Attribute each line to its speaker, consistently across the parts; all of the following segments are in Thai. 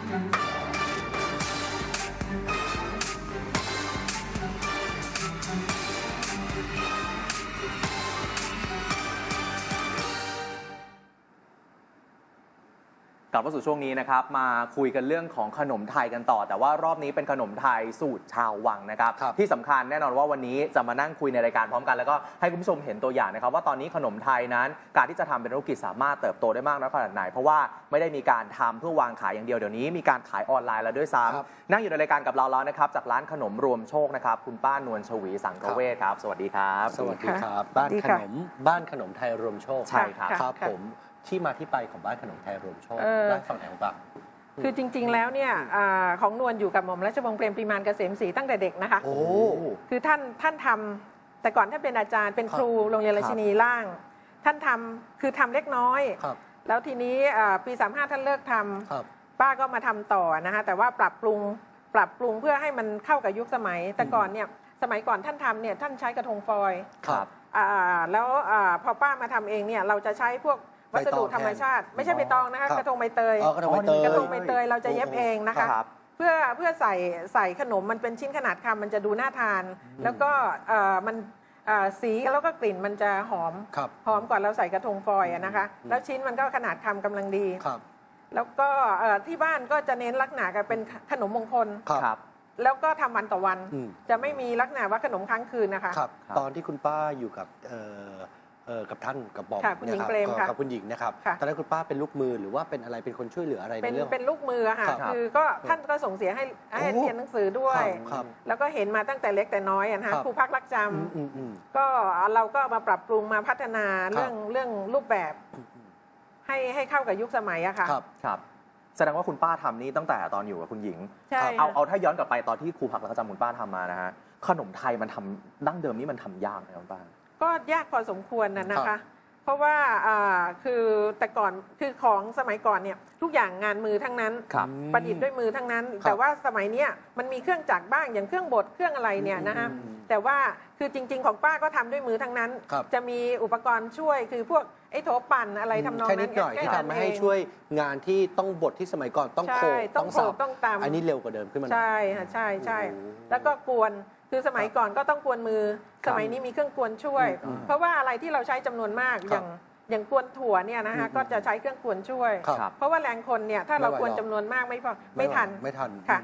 Speaker 1: กลับมาสู่ช่วงนี้นะครับมาคุยกันเรื่องของขนมไทยกันต่อแต่ว่ารอบนี้เป็นขนมไทยสูตรชาววังนะครับที่สำคัญแน่นอนว่าวันนี้จะมานั่งคุยในรายการพร้อมกันแล้วก็ให้คุณผู้ชมเห็นตัวอย่างนะครับว่าตอนนี้ขนมไทยนั้นการที่จะทำเป็นธุรกิจสามารถเติบโตได้มากน้อยขนาดไหนเพราะว่าไม่ได้มีการทำเพื่อวางขายอย่างเดียวเดี๋ยวนี้มีการขายออนไลน์แล้วด้วยซ้ำนั่งอยู่ในรายการกับเราแล้วนะครับจากร้านขนมรวมโชคนะครับคุณป้านวลชวีสังกเวชครับสวัสดีครับ
Speaker 2: สวัสดีครับบ้านขนมไทยรวมโชค
Speaker 1: ใช่ครับ
Speaker 2: ครับผมที่มาที่ไปของบ้านขนมไทยรวมโชคได้ฟังไหนบ้าง
Speaker 3: คือจริงๆแล้วเนี่ยของนวลอยู่กับหม่อมราชวงศ์เปรมปรีมานเกษมศรีตั้งแต่เด็กนะคะ
Speaker 2: โอ้
Speaker 3: คือท่านทำแต่ก่อนท่านเป็นอาจารย์เป็นครูโรงเรียนราชินีล่างท่านทำคือทำเล็กน้อยแล้วทีนี้ปี35ท่านเลิกทำป้าก็มาทำต่อนะคะแต่ว่าปรับปรุงเพื่อให้มันเข้ากับยุคสมัยแต่ก่อนเนี่ยสมัยก่อนท่านทำเนี่ยท่านใช้กระทงฟอยล์แล้วพอป้ามาทำเองเนี่ยเราจะใช้พวกวัสดุธรรมชาติไม่ใช่ใบตองนะคะกระทงใบเตยกระทงใบเตยเราจะเย็บเองนะคะเพื่อใส่ขนมมันเป็นชิ้นขนาดคำมันจะดูน่าทานแล้วก็มันสีแล้วก็กลิ่นมันจะหอมกว่าเราใส่กระทงฟอยล์นะคะแล้วชิ้นมันก็ขนาดคำกำลังดีแล้วก็ที่บ้านก็จะเน้นลักษณะกันเป็นขนมมงคลแล้วก็ทำวันต่อวันจะไม่มีลักษณะว่าขนมค้างคืนนะคะ
Speaker 2: ตอนที่คุณป้าอยู่กับกับท่านกับบอมกับคุณหญิงนะครับตอนนั้นคุณป้าเป็นลูกมือหรือว่าเป็นอะไรเป็นคนช่วยเหลืออะไรในเรื่อง
Speaker 3: เป็นลูกมือค่ะคือก็ท่านก็ส่งเสียให้เรียนหนังสือด้วยแล้วก็เห็นมาตั้งแต่เล็กแต่น้อยนะคะครูพักรักจำก็เราก็มาปรับปรุงมาพัฒนาเรื่องรูปแบบให้เข้ากับยุคสมัยอะค่ะ
Speaker 1: ครับแสดงว่าคุณป้าทำนี่ตั้งแต่ตอนอยู่กับคุณหญิงเอาถ้าย้อนกลับไปตอนที่ครูพักรักจำคุณป้าทำมานะฮะขนมไทยมันทำดั้งเดิมนี่มันทำยากไหมคุณป้า
Speaker 3: ก็ยากพอสมควรนะคะเพราะว่าคือแต่ก่อนคือของสมัยก่อนเนี่ยทุกอย่างงานมือทั้งนั้นประดิษฐ์ด้วยมือทั้งนั้นแต่ว่าสมัยนี้มันมีเครื่องจักรบ้างอย่างเครื่องบดเครื่องอะไรเนี่ยนะคะแต่ว่าคือจริงๆของป้าก็ทำด้วยมือทั้งนั้นจะมีอุปกรณ์ช่วยคือพวกไอ้โถปั่นอะไรทำนองนั้น
Speaker 2: นิดหน่อยที่ทำให้ช่วยงานที่ต้องบดที่สมัยก่อนต้องโขก
Speaker 3: ต้องตำ
Speaker 2: อันนี้เร็วกว่าเดิมขึ้นมา
Speaker 3: ใช่ค่ะใช่แล้วก็กวนคือสมัยก่อนก็ต้องกวนมือสมัยนี้มีเครื่องกวนช่วยเพราะว่าอะไรที่เราใช้จำนวนมากอย่างกวนถั่วเนี่ยนะคะก็จะใช้เครื่องกวนช่วยเพราะว่าแรงคนเนี่ยถ้าเรากวนจำนวนมากไม่ทันค่ะ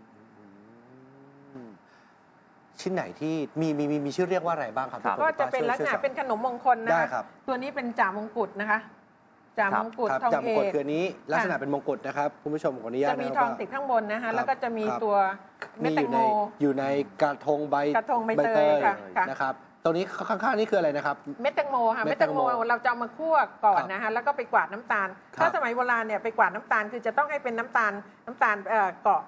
Speaker 2: ชิ้นไหนที่มีชื่อเรียกว่าอะไรบ้างครับ
Speaker 3: ก็จะเป็นลักษณะเป็นขนมมงคลนะคะตัวนี้เป็นจ่ามงกุฎนะคะจ่ามงกุฎทองเอก
Speaker 2: คือนี้ลักษณะเป็นมงกุฎนะครับคุณผู้ชมขออนุญาต
Speaker 3: จะมีทองติดข้างบนนะคะแล้วก็จะมีตัวเม็ดแตงโม
Speaker 2: อยู่ในกระทงใบ
Speaker 3: เตย
Speaker 2: นะครับตรงนี้ข้างๆนี่คืออะไรนะครับ
Speaker 3: เม็ดแตงโมค่ะเม็ดแตงโมเราจะมาคั่วก่อนนะคะแล้วก็ไปกวาดน้ำตาลถ้าสมัยโบราณเนี่ยไปกวาดน้ำตาลคือจะต้องให้เป็นน้ำตาลเกาะ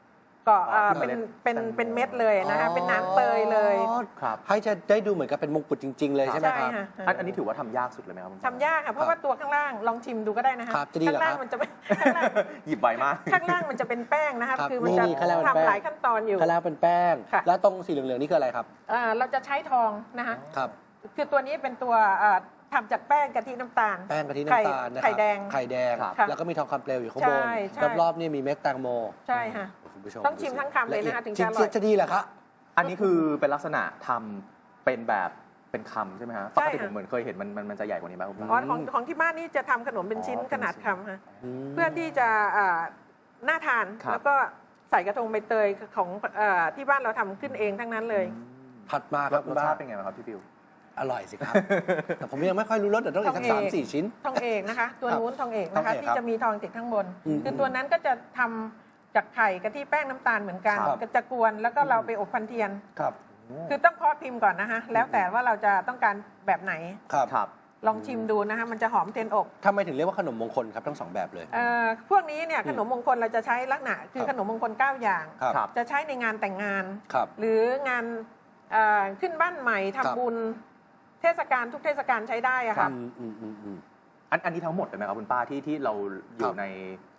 Speaker 3: เป็นเม็ดเลยนะคะเป็นน้ำเตยเลย
Speaker 2: ให้จะได้ดูเหมือนกับเป็นมงกุฎจริงๆเลยใช่ไหมครับ
Speaker 1: อันนี้ถือว่าทำยากสุดเลยไหมครับ
Speaker 3: ทำยากค่ะเพราะว่าตัวข้างล่างลองชิมดูก็ได้นะคะ
Speaker 2: ข้าง
Speaker 3: ล่างมันจะไม่
Speaker 1: หยิบใบมาก
Speaker 3: ข้างล่างมันจะเป็นแป้งนะคะคือมันจะทำหลายขั้นตอนอยู่
Speaker 2: ข้างล่างเป็นแป้งแล้วตรงสีเหลืองๆนี่คืออะไรครับ
Speaker 3: เราจะใช้ทองนะคะคือตัวนี้เป็นตัวทำจากแป้งกะทิน้ำตาล
Speaker 2: แป้งกะทิน้ำตาล
Speaker 3: ไข่แดง
Speaker 2: แล้วก็มีทองคำเปลวอยู่ข้างบนรอบๆนี่มีเม็ดแตงโม
Speaker 3: ใช่ค่ะต้องชิมทั้งคำเลยนะคะถึงจะอร่อย
Speaker 2: จะดีแหละครับ
Speaker 1: อันนี้คือเป็นลักษณะทำเป็นแบบเป็นคำใช่ไหมฮะปกติผมเหมือนเคยเห็นมันจะใหญ่กว่านี้ไหมคุณป้า
Speaker 3: ของที่บ้านนี่จะทำขนมเป็นชิ้นขนาดคำค่ะเพื่อที่จะน่าทานแล้วก็ใส่กระทงใบเตยของที่บ้านเราทำขึ้นเองทั้งนั้นเลย
Speaker 2: ผัดมาครับ
Speaker 1: รสชาติเป็นไงครับพี่ฟิว
Speaker 2: อร่อยสิครับแต่ผมยังไม่ค่อยรู้รสแต่ต้องอีกสัก3-4 ชิ้น
Speaker 3: ทองเอกนะคะตัวนู้นทองเอกนะคะที่จะมีทองติดข้างบนคือตัวนั้นก็จะทำจากไข่กะทิแป้งน้ำตาลเหมือนกันก็จะกวนแล้วก็เราไปอบพันเทียนคือต้องเคาะพิมพ์ก่อนนะคะแล้วแต่ว่าเราจะต้องการแบบไหน
Speaker 2: ครับ
Speaker 3: ลองชิมดูนะคะมันจะหอมเทียนอบ
Speaker 2: ทำไมถึงเรียกว่าขนมมงคลครับทั้ง2แบบเลย
Speaker 3: พวกนี้เนี่ยขนมมงคลเราจะใช้ลักษณะคือขนมมงคล9อย่างจะใช้ในงานแต่งงานหรืองานขึ้นบ้านใหม่ทำบุญเทศกาลทุกเทศกาลใช้ได้อะค่ะ
Speaker 1: อันนี้ทั้งหมดเลยไหมครับคุณป้าที่เราอยู่ใน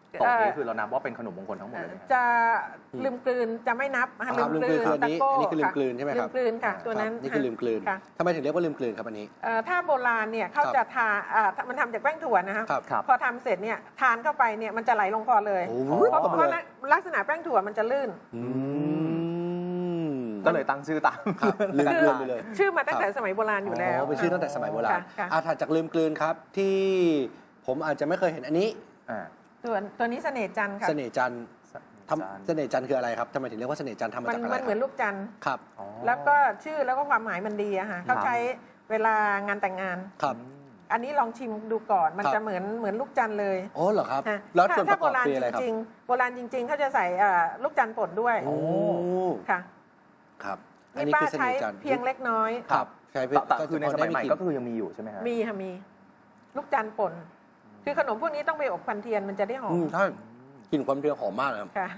Speaker 1: ตรงนี้คือเรานับว่าเป็นขนมมงคลทั้งหมดเลยไหมครับ
Speaker 3: จะลืมกลืนจะไม่นับค่ะ
Speaker 2: ลืมกลืนคืออันนี้
Speaker 3: ตะโก้
Speaker 2: อันนี้คือลืมกลืนใช่ไหมครับ
Speaker 3: ลืมกลืนค่ะ ตัวนั้น
Speaker 2: นี่คือลืมกลืน
Speaker 3: ค่ะ
Speaker 2: ทำไมถึงเรียกว่าลืมกลืนครับอันนี้
Speaker 3: ถ้าโบราณเนี่ยเขาจะทามันทำจากแป้งถั่วนะคะ
Speaker 2: ครับ
Speaker 3: พอทำเสร็จเนี่ยทานเข้าไปเนี่ยมันจะไหลลงคอเลย
Speaker 2: โอ้โห
Speaker 3: เพราะลักษณะแป้งถั่วมันจะลื่น
Speaker 2: อืม
Speaker 1: ก็เลยตั้งชื่อตาม
Speaker 2: ครับลืมกลืนไปเลย
Speaker 3: ชื่อมาตั้งแต่สมัยโบราณอยู่แล้ว
Speaker 2: เป็นชื่อตั้งแต่สมัยโบราณ
Speaker 3: ค่ะ
Speaker 2: ถัดจากลืมกลืนครับที่ผมอาจจะไม่เคยเห็นอันนี้
Speaker 1: อ่า
Speaker 3: ตัวนี้เสน่ห์จันทร์ค่ะ
Speaker 2: เสน่ห์จันทร์เสน่ห์จันทร์คืออะไรครับทำไมถึงเรียกว่าเสน่ห์จันทร์ทำมา
Speaker 3: มัน
Speaker 2: จากอะไร
Speaker 3: มันเหมือนลูกจันทร์
Speaker 2: ครับ
Speaker 1: อ๋อ
Speaker 3: แล้วก็ชื่อแล้วก็ความหมายมันดีอะค่ะเขาใช้เวลางานแต่งงาน
Speaker 2: ครับ
Speaker 3: อันนี้ลองชิมดูก่อน มัน
Speaker 2: ครับ
Speaker 3: จะเหมือนลูกจันทร์เลย
Speaker 2: โอ้เหรอครับ
Speaker 3: ค่ะ
Speaker 2: แล้วส่วนป
Speaker 3: ถ้า
Speaker 2: ระก
Speaker 3: โบ
Speaker 2: อบ
Speaker 3: ราณ
Speaker 2: คืออะไร
Speaker 3: จ
Speaker 2: ครับ
Speaker 3: ริงๆโบราณจริง ๆเขาจะใส่ลูกจันทร์ป่นด้วย
Speaker 2: โอ้
Speaker 3: ค่ะ
Speaker 2: ครับอัน
Speaker 3: นี่
Speaker 2: นี้
Speaker 3: ป้า
Speaker 2: คือเส
Speaker 3: ใช้
Speaker 2: น่ห์จันทร์
Speaker 3: เพียงเล็กน้อย
Speaker 2: ครับใช้เพื่
Speaker 1: แต่คือในสมัยใหม่ก็
Speaker 2: ได้
Speaker 1: คือยังมีอยู่ใช่ไหมฮะ
Speaker 3: มีค่ะมีลูกจันทร์ป่น คือขนมพวกนี้ต้องไปอบควันเทียนมันจะได้หอม
Speaker 2: ใช่กลิ่นความเปรี้ยวหอมมากเลยครับ
Speaker 3: ค่ะ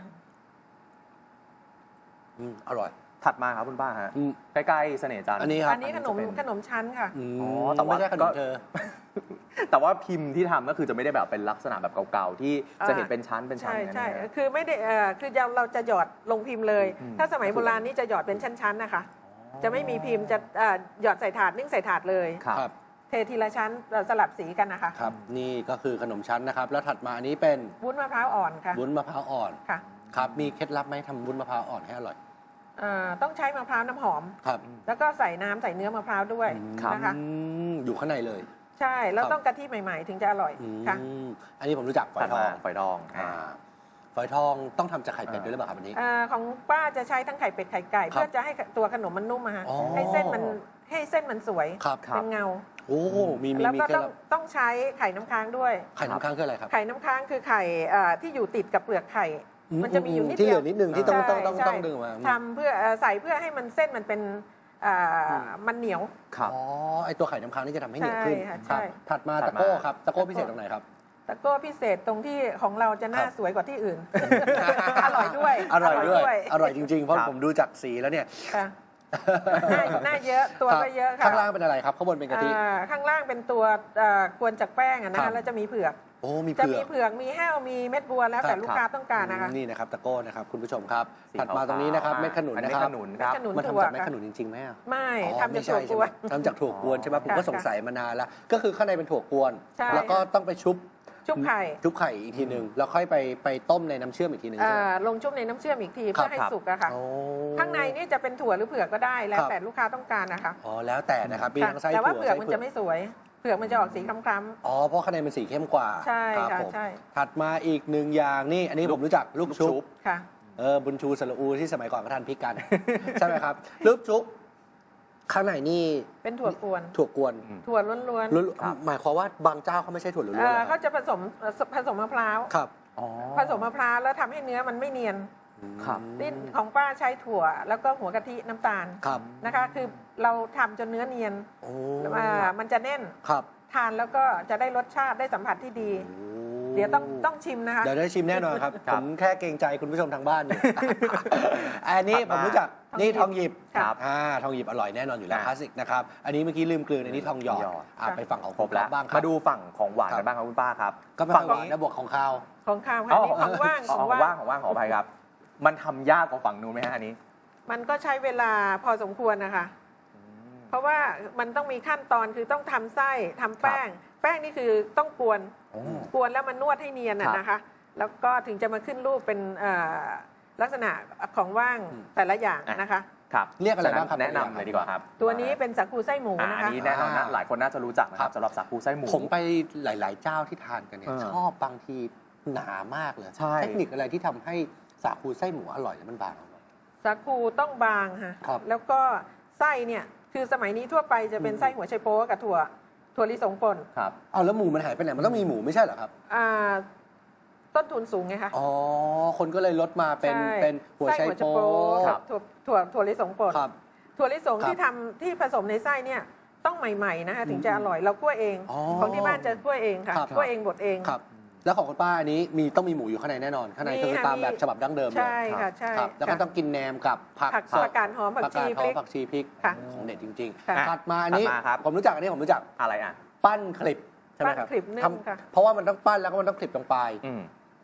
Speaker 2: อร่อย
Speaker 1: ถัดมาครับคุณป้าฮะ
Speaker 2: อืม
Speaker 1: ใกล้ๆเสน่ห์จันทร์
Speaker 2: อันนี้ครับ
Speaker 3: อันนี้ขนม
Speaker 1: จะเป็น
Speaker 3: ขนมชั้นค่ะ
Speaker 1: อ๋อแต่ว่า
Speaker 2: ไม่ใช่ขนมเธอ
Speaker 1: แต่ว่าพิมพ์ที่ทำก็คือจะไม่ได้แบบเป็นลักษณะแบบเก่าๆที่จะเห็นเป็นชั้นเป็นชั้น
Speaker 3: ใช่
Speaker 1: อย่างนั้น
Speaker 3: ใช่
Speaker 1: นะฮะ
Speaker 3: คือไม่ได้คือเราจะหยอดลงพิมพ์เลย
Speaker 1: อืม
Speaker 3: ถ้าสมัยโบราณนี่จะหยอดเป็นชั้นๆนะคะ จะไม่มีพิมพ์จะหยอดใส่ถาดนึ่งใส่ถาดเลย
Speaker 1: ครับ
Speaker 2: ครับ
Speaker 3: เททีละชั้นสลับสีกันนะคะ
Speaker 2: ครับ นี่ก็คือขนมชั้นนะครับ แล้วถัดมาอันนี้เป็น
Speaker 3: วุ้นมะพร้าวอ่อนค่ะ
Speaker 2: วุ้นมะพร้าวอ่อน
Speaker 3: ค่ะ
Speaker 2: ครับ มีเคล็ดลับไหมทำวุ้นมะพร้าวอ่อนให้อร่อย
Speaker 3: ต้องใช้มะพร้าวน้ำหอม
Speaker 2: ครับ
Speaker 3: แล้วก็ใส่น้ำใส่เนื้อมะพร้าวด้วยนะคะ
Speaker 2: อยู่ข้างในเลย
Speaker 3: ใช่แล้ว
Speaker 2: ครับ
Speaker 3: ต้องกะทิใหม่ๆ ถึงจะอร่อยค่ะ
Speaker 2: อันนี้ผมรู้จักฝอ
Speaker 1: ถั
Speaker 2: ย
Speaker 1: ด
Speaker 2: ทอ
Speaker 1: มาง ฝอยทอง
Speaker 2: ฝอยทองต้องทำจากไข่เป็ดด้วยหรือเปล่าครับอันนี้
Speaker 3: ของป้าจะใช้ทั้งไข่เป็ดไข่ไก่
Speaker 2: ครับ
Speaker 3: เพื่อจะให้ตัวขนมมันนุ่มอะฮะ
Speaker 2: อ๋อ
Speaker 3: ให้เส้นมันสวย
Speaker 2: ครับ
Speaker 3: เป็นเงา
Speaker 2: โอ้ มี
Speaker 3: แล้วก็
Speaker 2: เคล็ด
Speaker 3: ต้อง
Speaker 2: ลับ
Speaker 3: ต้องใช้ไข่น้ำค้างด้วย
Speaker 2: ไข่น้ำค้างคืออะไรครับ
Speaker 3: ไข่น้ำค้างคือไข่ที่อยู่ติดกับเปลือกไข่ มันจะมีอยู่นิด
Speaker 2: ที่เห
Speaker 3: เดี
Speaker 2: ลื
Speaker 3: ยว
Speaker 2: อนิดนึงที่ต้อง
Speaker 3: ใช่
Speaker 2: ต้อง
Speaker 3: ใช่
Speaker 2: ต้องดึงออกมา
Speaker 3: ทำเพื่อใส่เพื่อให้มันเส้นมันเป็นมันเหนียว
Speaker 1: ครับ
Speaker 2: อ๋อ ไอตัวไข่น้ำค้างนี่จะทำให้เหนียวขึ้น
Speaker 3: ใช่ค่ะ
Speaker 2: ครับ
Speaker 3: ใช่
Speaker 2: ถัดมา
Speaker 1: ถั
Speaker 2: ตะ
Speaker 1: ดมา
Speaker 2: โก้ครับ ตะโก้พิเศษตรงไหนครับ
Speaker 3: แต่ก็พิเศษตรงที่ของเราจะหน้า
Speaker 2: ครับ
Speaker 3: สวยกว่าที่อื่น อร่อยด้วย
Speaker 2: อร่อยด้วย อร่อยจริงๆ เพราะ
Speaker 1: ครับ
Speaker 2: ผมดูจากสีแล้วเนี่ย
Speaker 3: ค่ะหน้าเยอะตัวก็เยอะค่ะ
Speaker 2: ข้างล่างเป็นอะไรครับ ข้างบนเป็นกะทิ
Speaker 3: ข้างล่างเป็นตัวกวนจากแป้งอะนะ
Speaker 2: ครั
Speaker 3: คะ
Speaker 2: บ
Speaker 3: แล้วจะมีเผือก
Speaker 2: โอ้ มี
Speaker 3: จะ
Speaker 2: เผื
Speaker 3: มี
Speaker 2: อก
Speaker 3: เผือกมีแห้วมีเม็ดบัวแล้วแต่
Speaker 2: ครับ
Speaker 3: ลูกค้าต้องการนะคะ
Speaker 2: นี่นะครับ ตะโก้นะครับ คุณผู้ชมครับ
Speaker 1: สี
Speaker 2: ถัดมาตรงนี้นะครับ
Speaker 1: ขาวๆ
Speaker 2: เม็ดขนุน
Speaker 1: อัน
Speaker 2: นะ
Speaker 1: นี้
Speaker 2: ครับ
Speaker 1: ขนุนครับ
Speaker 3: ขนุน
Speaker 2: มัน
Speaker 3: ถั่ว
Speaker 2: ทำจากเม็ด
Speaker 3: ค่ะ
Speaker 2: ขนุนจริงๆไหมอะ
Speaker 3: ไม่
Speaker 2: อ๋อ
Speaker 3: ทำจาก
Speaker 2: ไม่ใช่
Speaker 3: ถั่วก
Speaker 2: ใช่ไหม
Speaker 3: วน
Speaker 2: ทำจากถั่วกวนใช่ไหมผมก็
Speaker 3: ค่ะ
Speaker 2: สงสัยมานานแล้ว ก็คือข้างในเป็นถั่วกวน
Speaker 3: ใช่
Speaker 2: แล้วก็ต้องไปชุบ
Speaker 3: ชุบไข่
Speaker 2: ชุบไข่อีกทีหนึ่งแล้วค่อยไปต้มในน้ำเชื่อมอีกทีหนึ่งใช่ไหม
Speaker 3: ลงชุบในน้ำเชื่อมอีกที
Speaker 2: ครั
Speaker 3: เพื่
Speaker 2: บ
Speaker 3: อให้สุกอะค่ะ
Speaker 2: โอ้
Speaker 3: ข้างในนี่จะเป็นถั่วหรือเผือกก็ได้แล้ว
Speaker 2: ครับ
Speaker 3: แต่ลูกค้าต้องการนะคะ
Speaker 2: อ๋อ แล้วแต่นะครับ มี
Speaker 3: ค่ะ
Speaker 2: ทั้งไส้
Speaker 3: แต่ว่า
Speaker 2: ถั่ว
Speaker 3: เผือก
Speaker 2: ไส้
Speaker 3: มันจะไม่สวย เผือกมันจะออกสีคล้ำ
Speaker 2: อ๋อ เพราะข้างในมันสีเข้มกว่า
Speaker 3: ใช่
Speaker 2: รับ
Speaker 3: ค่ะ
Speaker 2: ผม
Speaker 3: ใช่
Speaker 2: ถัดมาอีกหนึ่งอย่างนี่ อันนี้ผมรู้จักลูกชุบ
Speaker 3: ๆค่ะ
Speaker 2: บุญชูสระอูที่สมัยก่อนก็ทานพริกกัน ใช่ไหมครับ ลูกชุบ ข้างในนี่
Speaker 3: เป็นถั่วกวน
Speaker 2: ถั่วกวน
Speaker 3: ถั่วล้วน
Speaker 2: ล้วนหมายความว่าบางเจ้าเขาไม่ใช่ถั่วล้วนๆเหรอ
Speaker 3: เขาจะผสมมะพร้าว
Speaker 2: ครับ
Speaker 1: อ๋อ
Speaker 3: ผสมมะพร้าวแล้วทำให้เนื้อมันไม่เนียน
Speaker 1: ครับ
Speaker 3: นี่ของป้าใช้ถั่วแล้วก็หัวกะทิน้ำตาล
Speaker 2: ครับ
Speaker 3: นะคะ คือเราทำจนเนื้อเนียน
Speaker 2: โอ้
Speaker 3: มันจะแน่น
Speaker 2: ครับ
Speaker 3: ทานแล้วก็จะได้รสชาติได้สัมผัสที่ดี
Speaker 2: โอ้
Speaker 3: เดี๋ยวต้องชิมนะคะ
Speaker 2: เดี๋ยวได้ชิมแน่นอนครับ
Speaker 1: ครั
Speaker 2: ผ
Speaker 1: บ
Speaker 2: มแค่เกรงใจคุณผู้ชมทางบ้านอยู่ อันนี้ผมรู้จัก นี่ทองหยิบ
Speaker 3: ครับ
Speaker 2: ทองหยิบอร่อยแน่นอนอยู่แล้ว
Speaker 1: อ่า
Speaker 2: คลาสสิกนะครับ อันนี้เมื่อกี้ลืมกลืนอันนี้ทองหยอด
Speaker 1: ทองหยอด
Speaker 2: ไปฝั่งของ
Speaker 1: ครบแล้ว
Speaker 2: บ้างครับ
Speaker 1: มาดูฝั่งของหวาน
Speaker 2: ครั
Speaker 1: กับ นบ้างครับคุณป้าครับ
Speaker 2: ก็เป็น
Speaker 1: ฝั่
Speaker 2: ฝั่งหวานนะบวกของข้าว
Speaker 3: ของข้าวค่ะนี่ของว่าง
Speaker 1: ของว่างขออภัยครับ มันทำยากกว่าฝั่งนู้นไหมฮะอันนี้
Speaker 3: มันก็ใช้เวลาพอสมควรนะคะ เพราะว่ามันต้องมีขั้นตอนคือต้องทำไส้ทำแป้ง แป้งนี่คือต้องกวน
Speaker 1: โอ้
Speaker 3: กวนแล้วมันนวดให้เนียน
Speaker 1: ครับ
Speaker 3: นะคะ แล้วก็ถึงจะมาขึ้นรูปเป็นลักษณะของว่างแต่ละอย่างนะคะ
Speaker 1: ครับ
Speaker 2: เรียกอะไรบ้างครับ
Speaker 1: แนะนำเลยดีกว่าครับ
Speaker 3: ตัวนี้เป็นสาคูไส้หมู
Speaker 1: อั
Speaker 3: นะ
Speaker 1: น
Speaker 3: คะ
Speaker 1: นี้แน่นอนนะหลายคนน่าจะรู้จักนะค
Speaker 2: ครั
Speaker 1: รับบ สำหรับสาคูไส้หมู
Speaker 2: ผมไปหลาย ๆ เจ้าที่ทานกันเนี่ย
Speaker 1: เออ
Speaker 2: ชอบบางทีหนามากเลย
Speaker 1: ใช่
Speaker 2: เทคนิคอะไรที่ทำให้สาคูไส้หมูอร่อยแล้วมันบางอร่อย
Speaker 3: สาคูต้องบางค่ะ
Speaker 2: ครับ
Speaker 3: แล้วก็ไส้เนี่ยคือสมัยนี้ทั่วไปจะเป็นไส้หัวไชโป๊กับถั่วลิสงป่น
Speaker 1: ครับ
Speaker 2: เอาแล้วหมูมันหายไปไหนมันต้องมีหมูไม่ใช่เหรอครับ
Speaker 3: อ่าต้นทุนสูงไงคะ
Speaker 2: อ๋อ คนก็เลยลดมาเป็น
Speaker 3: ใช่
Speaker 2: เป็นหัวไช
Speaker 3: ไส้หัวไช
Speaker 2: โป๊
Speaker 3: โป๊
Speaker 1: ครับ
Speaker 3: ถั่วลิสงป่น
Speaker 2: ครับ
Speaker 3: ถั่วลิสง
Speaker 2: ครับ
Speaker 3: ที่ผสมในไส้เนี่ยต้องใหม่ๆนะคะถึงจะอร่อยเราคั่วเอง
Speaker 2: อ๋อ
Speaker 3: ของที่บ้านจะคั่วเองค่ะ
Speaker 2: ครับ
Speaker 3: คั่วเองบดเอง
Speaker 2: ครับ แล้วของคุณป้าอันนี้ต้องมีหมูอยู่ข้างในแน่นอน ข้างใน
Speaker 3: มี
Speaker 2: ก็คือ
Speaker 3: ค่ะ
Speaker 2: ตาม
Speaker 3: มี
Speaker 2: แบบฉบับดั้งเดิมเลย
Speaker 3: ใช่ค่ะใช่
Speaker 2: ครับแล้วก็
Speaker 3: ค่ะ
Speaker 2: ต้องกินแหนมกับผัก
Speaker 3: ผัก
Speaker 2: สด
Speaker 3: ผักกาดหอมผักชี
Speaker 2: ห
Speaker 3: พ
Speaker 2: อ
Speaker 3: ริ
Speaker 2: ม
Speaker 3: ก
Speaker 2: ผักชีพริก
Speaker 3: ค่ะ
Speaker 2: ของเด็ดจริง
Speaker 3: ค่ะ
Speaker 2: ๆถัดมาอันนี้
Speaker 1: ถัดมาครับ
Speaker 2: ผมรู้จักอันนี้ผมรู้จัก
Speaker 1: อะไรอ่ะ
Speaker 2: ปั้นคลิปใช่ไหมครับ
Speaker 3: ปั้นคลิปนึ่ง
Speaker 2: ท
Speaker 3: ค่ะ
Speaker 2: เพราะว่ามันต้องปั้นแล้วก็มันต้องคลิปตรงปลาย
Speaker 1: อืม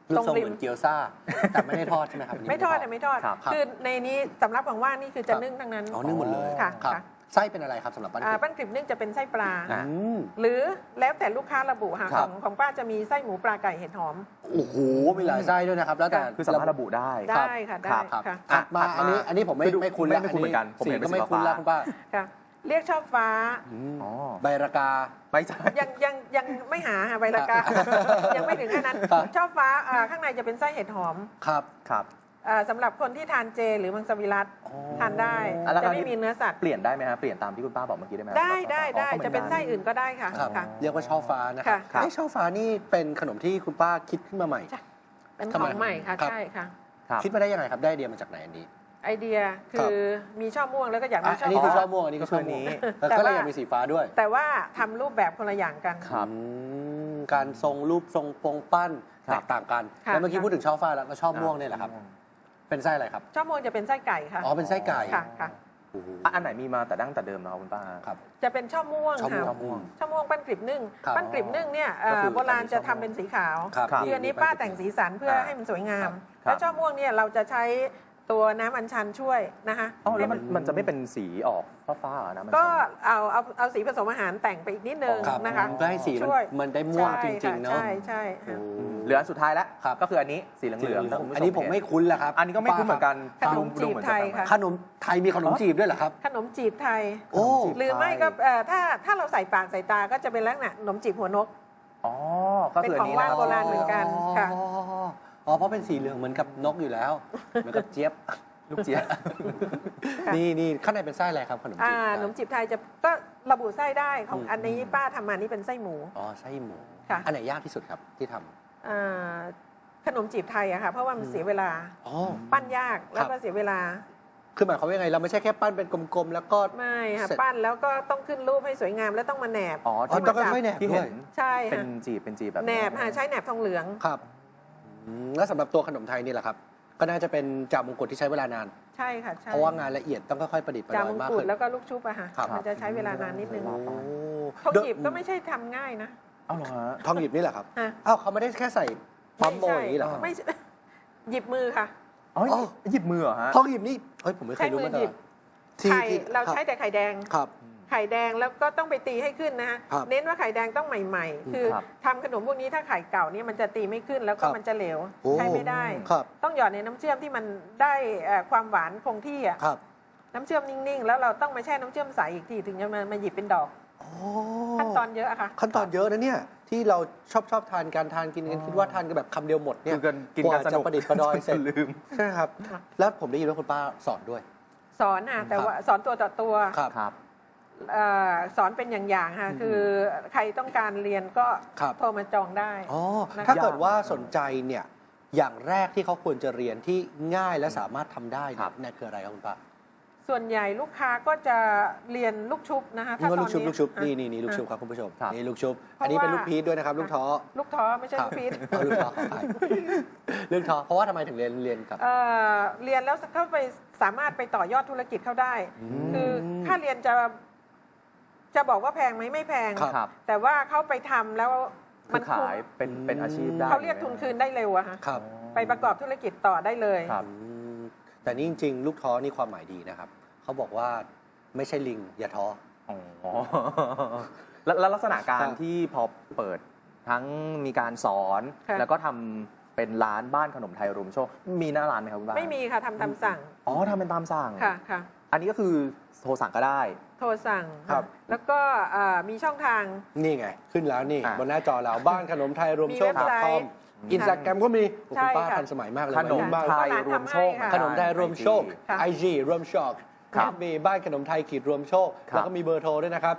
Speaker 2: รูปทรงเหมือนเกี๊ยวซ่าแต่ไม่ได้ทอดใช่ไหมครับ
Speaker 3: ไม่ทอดไม่ทอด คือในนี้สำรับของว่างนี่คือจะนึ่งทั้งนั้น
Speaker 2: อ๋อนึ่งหมดเลย
Speaker 3: ค่ะ
Speaker 2: ครับไส้เป็นอะไรครับสำหรับปั้นกริบ
Speaker 3: ปั้นกริบนึ่งจะเป็นไส้ปลา
Speaker 2: อืม
Speaker 3: หรือแล้วแต่ลูกค้าระบุค่ะ
Speaker 2: ครับ
Speaker 3: ของป้าจะมีไส้หมูปลาไก่เห็ดหอม
Speaker 2: โอ้โหมีหลายไส้ด้วยนะครับ แล้วแต่
Speaker 1: คือสามารถระบุได้
Speaker 3: ได้ค่ะได้
Speaker 2: ครับ
Speaker 3: ค่ะ
Speaker 2: ถัดมาอันนี้ผมไม่คุ้นแล้ว
Speaker 1: ไม่คุ้นเหมือนกันผม
Speaker 2: สี
Speaker 1: เห็นเป็น
Speaker 2: ก็ไม่
Speaker 1: สี
Speaker 2: คุ้น
Speaker 1: ฟ้า
Speaker 2: แล้วคุณป้า
Speaker 3: ค่ะ เรียกช่อฟ้า
Speaker 1: อ๋อ
Speaker 2: ใบระกา
Speaker 1: ไม่ใช่
Speaker 3: ยังไม่หาค่ะใบละกา ยังไม่ถึงแค่นั้น
Speaker 2: ครับ
Speaker 3: ช่อฟ้าข้างในจะเป็นไส้เห็ดหอม
Speaker 2: ครับ
Speaker 1: ครับ
Speaker 3: สำหรับคนที่ทานเจหรือมังสวิรัติทานได้
Speaker 1: แล้ว
Speaker 3: จะไม่มีเนื้อสัตว์
Speaker 1: เปลี่ยนได้ไหมฮะเปลี่ยนตามที่คุณป้าบอกเมื่อกี้ได้ไหม
Speaker 3: ได้ได้
Speaker 1: อ๋อก็หมือ
Speaker 3: จะเป็นไส้อื่นก็ได้ค่ะ
Speaker 2: ครับ
Speaker 3: ค่ะ
Speaker 2: เรียกว่าช่อฟ้านะครับ
Speaker 3: ค่ะ
Speaker 2: ไอ้ช่อฟ้านี่เป็นขนมที่คุณป้าคิดขึ้นมาใหม่
Speaker 3: เป็น
Speaker 2: ทำ
Speaker 3: ข
Speaker 2: ไม
Speaker 3: องใหม่ค่ะ
Speaker 2: ครับ
Speaker 3: ใช่ค่ะ
Speaker 1: ครับ
Speaker 2: คิดมาได้ยังไงครับได้ไอเดียมาจากไหนอันนี้
Speaker 3: ไอเดียคือมีช่อม่วงแล้วก็อยากมีช่
Speaker 2: อั
Speaker 3: อน
Speaker 2: นี้คือ
Speaker 3: ฟ้า
Speaker 2: ช่อม่วงอันนี้คือช่อม่วงแล้วก็เลยอยากมีสีฟ้าด้วย
Speaker 3: แต่ว่าทำรูปแบบคนละอย่างกัน
Speaker 1: ครับ
Speaker 2: การทรงรูปทรงปงปั้น
Speaker 1: ครั
Speaker 2: แต
Speaker 1: บ
Speaker 2: กต่างกัน
Speaker 3: ค่ะ
Speaker 2: แล้วเมื่อกี้พูดถึงช่อฟ้าแล้วก็ช่อม่วงเนี่ยแหละครับ เป็นไส้อะไรครับ
Speaker 3: ช่อม่วงจะเป็นไส้ไก่ค่ะ
Speaker 2: อ๋อเป็นไส้ไก่
Speaker 3: ค่ะค่ะ
Speaker 2: โอ้โห
Speaker 1: อันไหนมีมาแต่ดั้งแต่เดิมนะครับคุณป้า
Speaker 2: ครับ
Speaker 3: จะเป็นช่อม่วง
Speaker 2: ช่อม่วง
Speaker 3: ค่ะช่อม่วงปั้นกลีบนึ่ง
Speaker 2: ครับ
Speaker 3: ปั้นกลีบนึ่งเนี่ย
Speaker 1: ก็คือ
Speaker 3: โบราณจะทำเป็นสีขาว
Speaker 2: ครับ
Speaker 3: คืออันนี้ป้าแต่งสีสันเพื่อให้มันสวยงาม
Speaker 1: ครับ
Speaker 3: แล้วช่อม่วงเนี่ยเราจะใช้ตัวน้ำอัญชันช่วยนะคะ
Speaker 1: อ๋อแล้ว
Speaker 3: ให้
Speaker 1: มันจะไม่เป็นสีออกฟ้าๆเหรอนะมัน
Speaker 3: ก็เอาสีผสมอาหารแต่งไปอีกนิดนึง
Speaker 2: ครับ
Speaker 3: นะคะ
Speaker 2: เพื่อให้สี
Speaker 3: ช่วย
Speaker 2: มันได้ม่วงจริงๆเนาะ
Speaker 3: ใช่ใช่ค่ะ
Speaker 1: เหลืออันสุดท้ายแล้ว
Speaker 2: ครับ
Speaker 1: ก็คืออันนี้สีเหลืองๆถ้าคุณผู้ช
Speaker 2: อันนี้ผมไม่คุ้นแล้วครับ
Speaker 1: อันนี้ก็ไม่คุ้นเหมือนกัน
Speaker 3: ขนมจีบไทยค่ะ
Speaker 2: ขนมไทยมีขนมจีบด้วยเหรอครับ
Speaker 3: ขนมจีบไทย
Speaker 2: โอ้
Speaker 3: หรือไม่ก็ถ้าเราใส่ปากใส่ตาก็จะเป็นลักษณะขนมจีบหัวนก
Speaker 1: อ๋อก็คืออันนี้
Speaker 3: เป็นของ
Speaker 1: นะ
Speaker 3: ว่างโบราณเหมือนกันค่ะ
Speaker 2: อ๋อเพราะเป็นสีเหลืองเหมือนกับนกอยู่แล้ว เหมือนกับเจี๊ยบ
Speaker 1: ลูกเจี๊ยบ
Speaker 3: ค่ะ
Speaker 2: นี่ข้างในเป็นไส้อะไรครับขนมจีบ
Speaker 3: ขนมจีบไทยจะก็ระบุไส้ได้ของ
Speaker 2: อืม
Speaker 3: อันนี้ป้าทำมานี่เป็นไส้หมู
Speaker 2: อ๋อไส้หมู
Speaker 3: ค่ะ
Speaker 2: อันไหนยากที่สุดครับที่ทำ
Speaker 3: อ่าขนมจีบไทยอะค่ะเพราะว่ามันเสียเวลา
Speaker 2: อ๋อ
Speaker 3: ปั้นยากแล้ว
Speaker 2: ครั
Speaker 3: ก็
Speaker 2: บ
Speaker 3: เสียเวลา
Speaker 2: คือหมายความว่ายังไงเราไม่ใช่แค่ปั้นเป็นกลมๆแล้วก็
Speaker 3: ไม่ค่ะ
Speaker 2: เสร็จ
Speaker 3: ปั้นแล้วก็ต้องขึ้นรูปให้สวยงามแล้วต้องมาแหนบ
Speaker 1: อ๋อ
Speaker 2: อ๋อ
Speaker 1: ที่
Speaker 2: ต้องค่อยๆแหนบ
Speaker 1: ที่
Speaker 2: ด้
Speaker 1: เห็
Speaker 2: วย
Speaker 1: น
Speaker 3: ใช่
Speaker 1: เป็น
Speaker 3: ค่ะ
Speaker 1: จีบแบบ
Speaker 3: แหนบค่ะใช้แหนบทองเหลือง
Speaker 2: ครับแล้วสำหรับตัวขนมไทยนี่แหละครับ ก็น่าจะเป็นจ่ามงกุฎที่ใช้เวลานาน
Speaker 3: ใช่ค่ะใช่
Speaker 2: เพราะว่างานละเอียดต้องค่อยๆประดิษฐ์ประ
Speaker 3: จา
Speaker 2: ด
Speaker 3: ม
Speaker 2: อย
Speaker 3: ง
Speaker 2: มาก
Speaker 3: กุฎ
Speaker 2: ขึ้น
Speaker 3: แล้วก็ลูกชุบอะค่ะ
Speaker 2: ครับ
Speaker 3: มันจะใช้เวลานานนิดนึง
Speaker 2: โอ้
Speaker 3: ทองหยิบก็ไม่ใช่ทำง่ายนะ
Speaker 1: เอ้าเหรอฮะ
Speaker 2: ทองหยิบนี่แหละครับ
Speaker 3: ฮะ
Speaker 2: อ้าวเขาไม่ได้แค่ใส่ปั๊มโมอย่างนี้เหรอครับ
Speaker 3: ไม่ใช่ หยิบมือค่ะ
Speaker 1: อ๋อ
Speaker 2: อ๋อ
Speaker 1: หยิบมือเหรอฮะ
Speaker 2: ทองหยิบนี่เฮ้ยผมไม่เคยรู้มาก่
Speaker 3: ใช้มือหยิ
Speaker 2: อน
Speaker 3: บ
Speaker 2: ที่
Speaker 3: ไข่
Speaker 2: ที่
Speaker 3: เราใช้แต่ไข่แดง
Speaker 2: ครับ
Speaker 3: ไข่แดงแล้วก็ต้องไปตีให้ขึ้นนะฮะ
Speaker 2: ครับ
Speaker 3: เน้นว่าไข่แดงต้องใหม่ ๆ คือ
Speaker 1: ครับ
Speaker 3: ทำขนมพวกนี้ถ้าไข่เก่าเนี่ยมันจะตีไม่ขึ้นแล้วก็
Speaker 2: ครับ
Speaker 3: มันจะเหลว
Speaker 2: โอ้
Speaker 3: ใช้ไม่ได้
Speaker 2: ครับ
Speaker 3: ต้องหยอดในน้ำเชื่อมที่มันได้ความหวานคงที่อ่ะ
Speaker 2: ครับ
Speaker 3: น้ำเชื่อมนิ่งๆแล้วเราต้องมาแช่น้ำเชื่อมใสอีกทีถึงจะมาหยิบเป็นดอก
Speaker 2: โอ้
Speaker 3: ขั้นตอนเยอะอะค่ะ
Speaker 2: ขั้นตอนเยอะนะเนี่ยที่เราชอบทานกันกินกันคิดว่าทานกันแบบคำเดียวหมดเนี่ย
Speaker 1: คือกิน
Speaker 2: ก
Speaker 1: กัน
Speaker 2: ว่า
Speaker 1: ส
Speaker 2: จะ
Speaker 1: นุก
Speaker 2: ประดิษฐ์ประดอยเสร็จ
Speaker 1: ลืม
Speaker 2: ใช่ครับ แล้วผมได้ยินว่าคุณป้าสอนด้วย
Speaker 3: สอนค่ะแต่ว่าสอนตัวต่อตัว
Speaker 2: ครับ
Speaker 1: ครับ
Speaker 3: สอนเป็นอย่างๆค่ะคือใครต้องการเรียนก็
Speaker 2: ครับ
Speaker 3: โทรมาจองได้
Speaker 2: อ๋อ
Speaker 3: นะคะ
Speaker 2: ถ้าเกิดว่าสนใจเนี่ยอย่างแรกที่เขาควรจะเรียนที่ง่ายและสามารถทำได้
Speaker 1: ครับ
Speaker 2: เนี่ยคืออะไรครับคุณป้า
Speaker 3: ส่วนใหญ่ลูกค้าก็จะเรียนลูกชุบนะคะ
Speaker 2: นี่ก็ลูกชุบ
Speaker 3: ตอนนี้
Speaker 2: ลูกชุบ
Speaker 3: อ่ะ
Speaker 2: นี่ลูกชุบครับคุณผู้ชม
Speaker 1: ครับ
Speaker 2: นี่ลูกชุบ
Speaker 3: เพราะ
Speaker 2: อันนี้เป็น
Speaker 3: ว่า
Speaker 2: ลูกพีชด้วยนะครับ ลูกท้อ
Speaker 3: ลูกท้อไม่ใช่ลูกพีช
Speaker 2: เอาลูกท้อขออภัยลูกท้อเพราะว่าทำไมถึงเรียนกับ
Speaker 3: เรียนแล้วเข้าไปสามารถไปต่อยอดธุรกิจเขาได้
Speaker 2: ม
Speaker 3: คือค่าเรียนจะบอกว่าแพงไหมไม่แพง
Speaker 2: ครับ
Speaker 1: ครับ
Speaker 3: แต่ว่าเขาไปทำแล้ว
Speaker 1: คื
Speaker 3: มั
Speaker 1: อน
Speaker 3: คุ้ม
Speaker 1: ขายเป็นอาชีพได้
Speaker 3: เขาเรียกทุนคืนได้เร็วอะฮะ
Speaker 2: ครับ
Speaker 3: ไปประกอบธุรกิจต่อได้เลย
Speaker 1: ครับ
Speaker 2: แต่นี่จริงๆ ลูกท้อนี่ความหมายดีนะครับเขาบอกว่าไม่ใช่ลิงอย่าท้อ
Speaker 1: อ๋อแล้วลักษณะการ
Speaker 2: ครับ
Speaker 1: ที่พอเปิดทั้งมีการสอน
Speaker 3: ค่ะ
Speaker 1: แล้วก็ทำเป็นร้านบ้านขนมไทยรวมโชค มีหน้าร้านไหมครับคุณป้า
Speaker 3: ไม่มีค่ะทำตามสั่ง
Speaker 1: อ๋อทำเป็นตามสั่ง
Speaker 3: ค่ะค่ะ
Speaker 1: อันนี้ก็คือโทรสั่งก็ได้
Speaker 3: โทรสั่ง
Speaker 2: ครับ
Speaker 3: แล้วก็มีช่องทาง
Speaker 2: นี่ไง ขึ้นแล้วนี่
Speaker 1: อ่ะ
Speaker 2: บนหน้าจอเราบ้านขนมไทยรวมโชค
Speaker 3: มีเว็บไซต์
Speaker 2: .com อินสตาแกรมก็มีโอ้
Speaker 3: ใช่
Speaker 2: คุณป้า
Speaker 3: ค่ะ
Speaker 2: ทันสมัยมากเลย
Speaker 1: ขนม
Speaker 2: วัยรุ่บ้าน
Speaker 1: ไทย
Speaker 3: ร้าน
Speaker 1: รวมโชค
Speaker 3: ทำให้ค่ะ
Speaker 2: ขนมไทยรวมโชค
Speaker 3: ค่ะ
Speaker 2: IG รวมโชค
Speaker 1: ครับ
Speaker 2: มีบ้านขนมไทยขีดรวมโชค
Speaker 1: ครับ
Speaker 2: แล้วก็มีเบอร์โทรด้วยนะครับ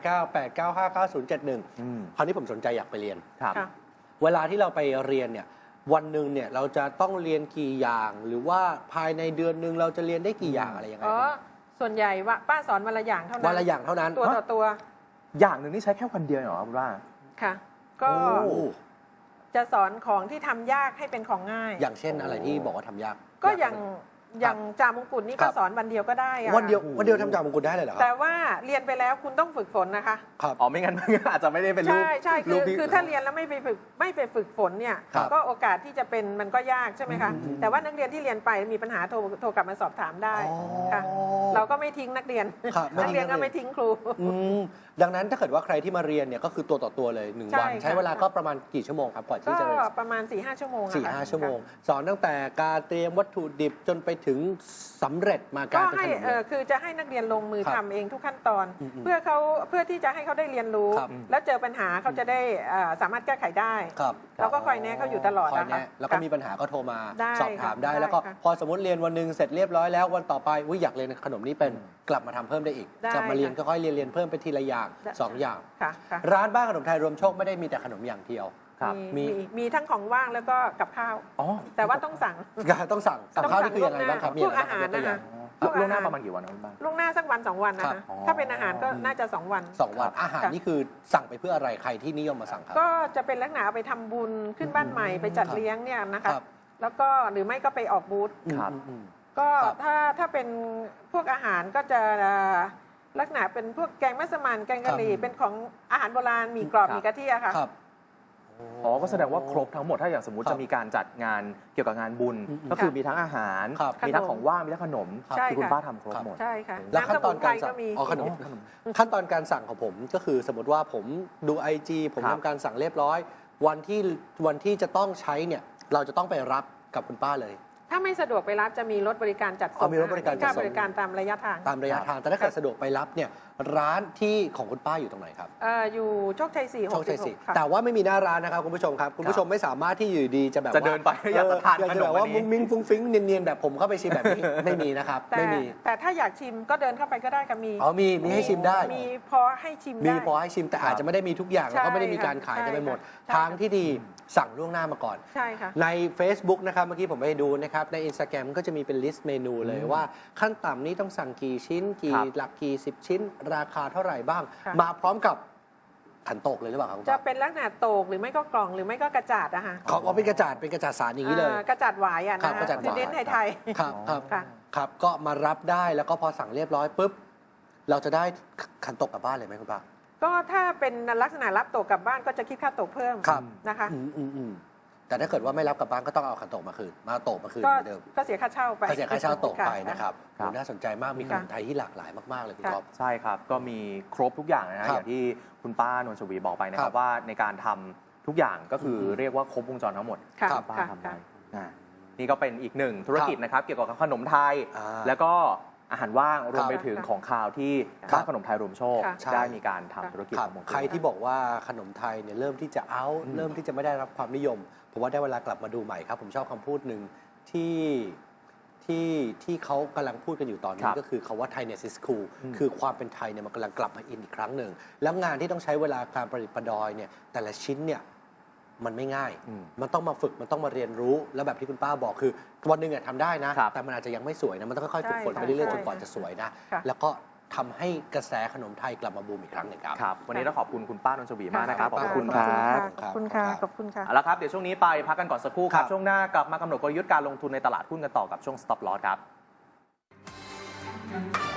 Speaker 2: 0898959071
Speaker 1: อืม
Speaker 2: คราวนี้ผมสนใจอยากไปเรียน
Speaker 1: ครับ
Speaker 3: ค่ะ
Speaker 2: เวลาที่เราไปเรียนเนี่ยวันหนึ่งเนี่ยเราจะต้องเรียนกี่อย่าง หรือว่าภายในเดือนหนึ่งเราจะเรียนได้กี่อย่างอะไรยังไง
Speaker 3: อ๋อ
Speaker 2: ครับ
Speaker 3: ส่วนใหญ่ว่าป้าสอนวันละอย่างเท่านั้น
Speaker 2: วันละอย่างเท่านั้น
Speaker 3: ตัวต่อตัว
Speaker 1: อย่างหนึ่งนี่ใช้แค่วันเดียวเหรอครับคุณป้า
Speaker 3: ค่ะ ก็
Speaker 2: โอ้
Speaker 3: จะสอนของที่ทำยากให้เป็นของง่าย
Speaker 2: อย่างเช่นอะไรที่บอกว่าทำยาก
Speaker 3: ก็อย่างอย่างจามงกุฎนี่ก็สอนวันเดียวก็ได้อะ
Speaker 2: วันเดียวทำจ่ามงกุฎได้เลยเหรอครั
Speaker 3: แต่ว่าเรียนไปแล้วคุณต้องฝึกฝนนะคะ
Speaker 2: ครับ
Speaker 1: อ๋อไม่งั้นอาจจะไม่ได้เป็นรูป
Speaker 3: ใช่คือถ้าเรียนแล้วไม่ไปฝึกฝนเนี่ย
Speaker 2: ครับ
Speaker 3: ก็โอกาสที่จะเป็นมันก็ยากใช่ไหมคะแต่ว่านักเรียนที่เรียนไปมีปัญหาโทรกลับมาสอบถามได้ค่ะเราก็ไม่ทิ้งนักเรียน
Speaker 2: ครับ
Speaker 3: นักเรียนก็ไม่ทิ้งครู
Speaker 2: ดังนั้นถ้าเกิดว่าใครที่มาเรียนเนี่ยก็คือตัวต่อตัวเลย1 วัน ใช้เวลาก็ประมาณกี่ชั่วโมงครับก่อนที่
Speaker 3: ก็
Speaker 2: จะเรียน
Speaker 3: ประมาณ 4-5 ชั่วโมง
Speaker 2: 4-5 ชั่วโมง สอนตั้งแต่การเตรียมวัตถุดิบจนไปถึงสำเร็จมา
Speaker 3: ก็
Speaker 2: การเป็น
Speaker 3: ให้
Speaker 2: ขนมเลย
Speaker 3: คือจะให้นักเรียนลงมือ
Speaker 2: ครับ
Speaker 3: ทำเองทุกขั้นตอน
Speaker 2: อืม
Speaker 3: เพื่อที่จะให้เขาได้เรียนรู้
Speaker 2: ครับ
Speaker 3: แล้วเจอปัญหาเขาจะได้สามารถแก้ไขได้
Speaker 2: ครับ
Speaker 3: เราก็คอยแนะเขาอยู่ตลอด
Speaker 2: คอย
Speaker 3: นะคะ
Speaker 2: แนะแล้วก็มีปัญหาก็โทรมา
Speaker 3: ได้
Speaker 2: สอบถามได้
Speaker 3: ค่ะ
Speaker 2: แล้วก็
Speaker 3: ได้ค่ะ
Speaker 2: พอสมมติเรียนวันหนึงเสร็จเรียบร้อยแล้ววันต่อไปอยากเรียนขนมนี้เป็นกลับมาทำเพิ่มได้อีก
Speaker 3: ได้
Speaker 2: กลับมาเรียน
Speaker 3: ค่ะ
Speaker 2: ก็ค่อยเรียนเพิ่มไปทีละอย่าง
Speaker 3: ได้
Speaker 2: 2 อย่าง
Speaker 3: ค่ะค่ะ
Speaker 2: ร้านบ้านขนมไทยรวมโชคไม่ได้มีแต่ขนมอย่างเดียว
Speaker 1: ครับ
Speaker 3: มีทั้งของว่างแล้วก็กับข้าว
Speaker 1: อ๋อ
Speaker 3: แต่ว่าต้องสั่ง
Speaker 2: ต้องสั่งกับข้าวนี่คือยังไงบ้างครับมี
Speaker 3: พวก
Speaker 2: อะไร
Speaker 3: อาหาร
Speaker 2: บ้ง
Speaker 3: นะคะ
Speaker 2: ยกตัวอย่ง
Speaker 3: พวก
Speaker 1: ล่วงหน้า
Speaker 3: อาหาร
Speaker 1: ประมาณกี่วันครับคุณป้า
Speaker 3: ล่วงหน้าสักวัน 2 วันนะ
Speaker 2: ครั
Speaker 3: คะ
Speaker 2: บอ๋อ
Speaker 3: ถ้าเป็นอาหารก็น่าจะ 2 วัน
Speaker 2: 2 วันอาหาร
Speaker 3: ค่ะ
Speaker 2: นี่คือสั่งไปเพื่ออะไรใครที่นิยมมาสั่งครับ
Speaker 3: ก็จะเป็นลักษณะเอาไปทำบุญขึ้นบ้านใหม่ไปจัดเลี้ยงเนี่ยนะคะ
Speaker 2: ครับ
Speaker 3: แล้วก็หรือไม่ก็ไปออกบูธ
Speaker 1: ครับ
Speaker 3: ก็
Speaker 2: ครับ
Speaker 3: ถ้าเป็นพวกอาหารก็จะลักษณะเป็นพวกแกงมัสมั่นแกงกะหรี่เป็นของอาหารโบราณมีกรอบ
Speaker 1: ครับ
Speaker 3: มีกะทิอะค่ะ
Speaker 2: ครับ
Speaker 1: อ๋อก็แสดงว่าครบทั้งหมดถ้าอย่างสมมติ
Speaker 2: ครับ
Speaker 1: จะมีการจัดงานเกี่ยวกับงานบุญ ก็คือมีทั้งอาหาร
Speaker 2: ครับ
Speaker 1: มีทั้งของว่างมีทั้งขนม
Speaker 3: ใช่
Speaker 1: ที่คุณ
Speaker 3: ค่ะ
Speaker 1: ป้าทำครบหมด
Speaker 3: ใช่ค่ะ
Speaker 2: แล้วขั้นตอนการสั่ง
Speaker 3: ก็มี
Speaker 2: อ๋อขนมขั้นตอนการสั่งของผมก็คือสมมติว่าผมดู IG ผม
Speaker 1: ครับ
Speaker 2: ทำการสั่งเรียบร้อย วันที่จะต้องใช้เนี่ยเราจะต้องไปรับกับคุณป้าเลย
Speaker 3: ถ้าไม่สะดวกไปรับจะมีรถบริการจัดส่
Speaker 2: อ๋
Speaker 3: ง
Speaker 2: อมีรถบริการจัดส่ง
Speaker 3: ค่บริการตามระยะทาง
Speaker 2: ตามระยะทางแต่ถ้าเกิดสะดวกไปรับเนี่ยร้านที่ของคุณป้าอยู่ตรงไหนครับ
Speaker 3: อยู่โชคชัย4
Speaker 2: โชคชัยสี่
Speaker 3: 66ค่ะ
Speaker 2: แต่ว่าไม่มีหน้าร้านนะครับคุณผู้ชมครับคุณผู้ชมไม่สามารถที่อยู่ดีจะแบบ
Speaker 1: จะเดินไปอยากจะทาน
Speaker 2: อยาก
Speaker 1: ข
Speaker 2: จะ
Speaker 1: น
Speaker 2: แบ
Speaker 1: ม
Speaker 2: บว่า
Speaker 1: อันนี้
Speaker 2: มุ้งมิ้งฟุ้งฟิ้งเนียนๆแบบผมเข้าไปชิมแบบนี้ ไม่มีนะครับ
Speaker 3: แต่
Speaker 2: ไม่มี
Speaker 3: แต่ถ้าอยากชิมก็เดินเข้าไปก็ได้ค่ะมี
Speaker 2: อ๋อมีให้ชิมได้
Speaker 3: มีพอให้ชิม
Speaker 2: มี
Speaker 3: ได้
Speaker 2: พอให้ชิมแต่อาจจะไม่ได้มีทุกอย่าง
Speaker 3: ใช่
Speaker 2: แล้วก็ไม่ได้มีการขายกันไปหมด
Speaker 3: ใช่ค่ะ
Speaker 2: ทางที่ดีสั่งล่วงหน้ามาก่อน
Speaker 3: ใช่ค่ะ
Speaker 2: ใน Facebook นะครับเมื่อกี้ผมไปดูนะครับใน Instagram ก็จะมีเป็นลิสต์เมนูเลยว่าขั้นต่ำนี้ต้องสั่งกี่ชิ้นกี่
Speaker 1: ครับ
Speaker 2: หลักกี่10 ชิ้น ราคาเท่าไหร่บ้าง
Speaker 3: ค่ะ
Speaker 2: มาพร้อมกับขันโตกเลยหรือเปล่าครับคุณ
Speaker 3: จะ
Speaker 2: ป้า
Speaker 3: เป็นลักษณะโตกหรือไม่ก็กล่องหรือไม่ก็กระจาดอะค่ะ
Speaker 2: เขาเอาเป็นกระจาดสารอย่างนี้เลย
Speaker 3: กระจาดหวายอะ
Speaker 2: ครั
Speaker 3: นะ
Speaker 2: บ
Speaker 3: คะ
Speaker 2: กระจาดหวาย
Speaker 3: คือเน้นไทย
Speaker 2: ครับครับ
Speaker 3: ค่ะ
Speaker 2: ครับก็มารับได้แล้วก็พอสั่งเรียบร้อยปุ๊บเราจะได้ขันโตกกลับบ้านเลยไหมคุณป้า
Speaker 3: ก็ถ้าเป็นลักษณะรับโตกกลับบ้านก็จะคิดค่าโตกเพิ่ม
Speaker 2: ครับ
Speaker 3: นะคะ
Speaker 2: อืมแต่ถ้าเกิดว่าไม่รับกลับบ้านก็ต้องเอาขันโตกมาคืนมาโตกมาคืน
Speaker 3: ก็
Speaker 2: เหมือนเดิม
Speaker 3: ก็เสียค่าเช่าไป
Speaker 2: ก็เสียค่าเช่าโตกไปนะครับ
Speaker 1: ครับ
Speaker 2: โหน่าสนใจมากมีขนมไทยที่หลากหลายมากๆเลยคุณ
Speaker 3: ค่ะ
Speaker 2: ก๊อฟ
Speaker 1: ใช่ครับ ก็มีครบทุกอย่างนะฮะ
Speaker 2: ครับ
Speaker 1: อย่างที่คุณป้านวลชวีบอกไปนะค
Speaker 2: ครั
Speaker 1: รับบ ว่าในการทำทุกอย่างก็คือเรียกว่าครบวงจรทั้งหมด
Speaker 3: ค่ะ
Speaker 1: คุณป้า
Speaker 3: ค่ะ
Speaker 1: ทำได้
Speaker 3: ค่ะ
Speaker 1: นี่ก็เป็นอีกหนึ่งธุรกิจนะครับ เกี่ยวกับขนมไทย
Speaker 2: อ่า
Speaker 1: แล้วก็อาหารว่างรวมไปถึง
Speaker 3: ค่ะ
Speaker 1: ของคาวที่
Speaker 2: ครับ
Speaker 1: บ้านขนมไทยรวมโชค
Speaker 3: ค่ะ
Speaker 2: ใช่
Speaker 1: ได้มีการทำธุรกิจ
Speaker 2: ครับ
Speaker 1: ทั้งหมด
Speaker 2: ใครที่บอกว่าขนมไทยเนี่ยเริ่มที่จะเอาเริ่มที่จะไม่ได้รับความนิยม ผมว่าได้เวลากลับมาดูใหม่ครับ ผมชอบคำพูดหนึ่งที่เขากำลังพูดกันอยู่ตอนนี้ก็คือคาว่าไทยเนี่ยซิสคูลคือความเป็นไทยเนี่ยมันกำลังกลับมาอินอีกครั้งหนึ่งแล้วงานที่ต้องใช้เวลาการประดิษฐ์ประดอยเนี่ยแต่ละชิ้นเนี่ยมันไม่ง่าย มันต้องมาฝึกมันต้องมาเรียนรู้แล้วแบบที่คุณป้าบอกคือวันหนึ่งทำได้นะ แต่มันอาจจะยังไม่สวยนะมันต้องค่อยๆฝึกฝนไปเรื่อยๆจนกว่าจะสวยนะ
Speaker 3: ค่ะ
Speaker 2: แล้วก็ทำให้กระแสขนมไทยกลับมาบูมอีกครั้งหนึ่งครับ
Speaker 1: ครับ วันนี้ต้องขอบคุณคุณป้านนท์ชวีมากนะครับ ขอบคุณค
Speaker 3: ข
Speaker 1: รั
Speaker 3: อบ คุณค่ะขอบคุณค่ะ
Speaker 1: เอาละครับ เดี๋ยวช่วงนี้ไปพักกันก่อนสักครู่ค
Speaker 2: ครั
Speaker 1: รับ
Speaker 2: บ
Speaker 1: ช่วงหน้ากลับมากำหนดกลยุทธ์การลงทุนในตลาดหุ้นกันต่อกับช่วง Stop Loss ครับ